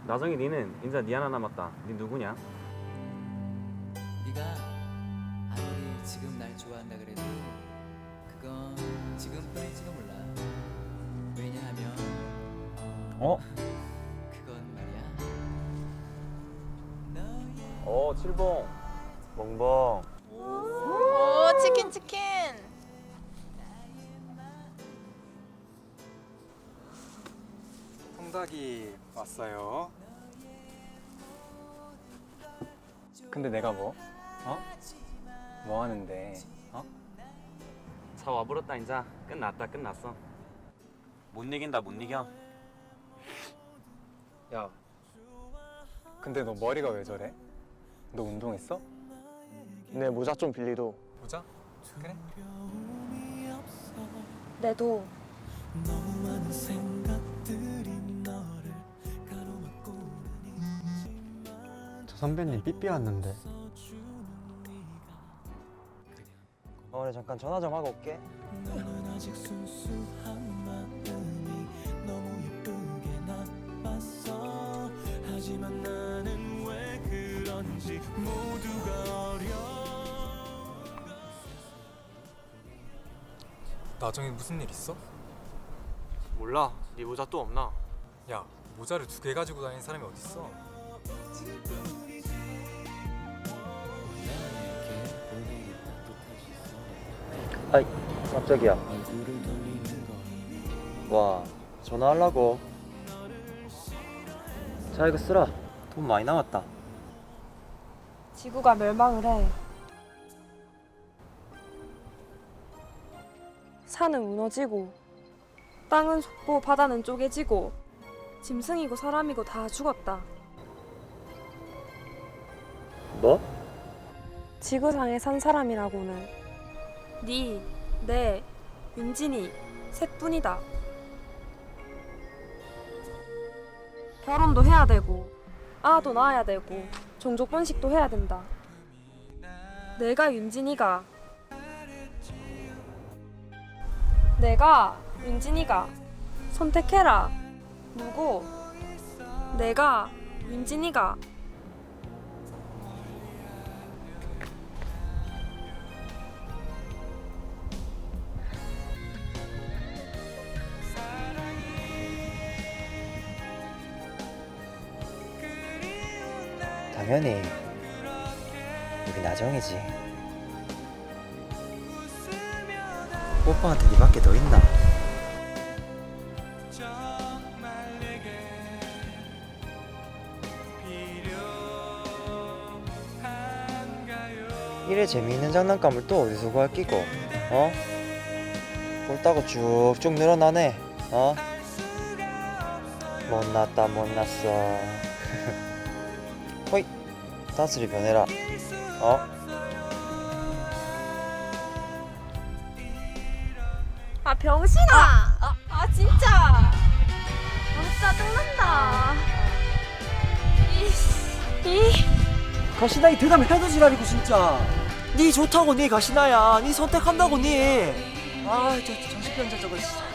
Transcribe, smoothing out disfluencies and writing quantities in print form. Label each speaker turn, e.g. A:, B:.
A: 나정이 니는 인자 니 하나 남았다. 니 누구냐?
B: 네가 아무리 지금 날 좋아한다 그래도 그건 지금뿐일지도 몰라. 왜냐하면 그건 말이야.
A: 칠봉. 멍멍.
C: 오, 치킨 치킨.
D: 통닭이 왔어요. 근데 내가 뭐? 뭐 하는데?
A: 차 와버렸다 인자. 끝났어. 못 이긴다 못 이겨.
D: 야, 근데 너 머리가 왜 저래? 너 운동했어?
E: 내 모자 좀 빌리도.
D: 모자? 그래?
C: 내도.
E: 저 선배님 삐삐 왔는데.
F: 그래 잠깐 전화 좀 하고 올게.
D: 나정이 무슨 일 있어?
E: 몰라. 네 모자 또 없나?
D: 야, 모자를 2개 가지고 다니는 사람이 어딨어?
F: 아이 깜짝이야. 와 전화하려고. 자 이거 쓰라. 돈 많이 남았다.
C: 지구가 멸망을 해. 산은 무너지고 땅은 솟고 바다는 쪼개지고 짐승이고 사람이고 다 죽었다.
F: 뭐?
C: 지구상에 산 사람이라고는 니, 내, 윤진이 셋뿐이다. 결혼도 해야 되고 아도 낳아야 되고 종족 번식도 해야 된다. 내가 윤진이가 선택해라. 누구? 내가 윤진이가
F: 당연히 우리 나정이지. 오빠한테 니밖에 더 있나? 이래 재미있는 장난감을 또 어디서 구할 끼고? 꼴따고 쭉쭉 늘어나네. 못났다 못났어. 호이 다스리 변해라.
C: 아 병신아! 진짜! 짜증난다.
F: 가시나 이 대답 해도 지랄이고 진짜. 니 좋다고 니 가시나야. 니 선택한다고 니. 저 정신병자 저거.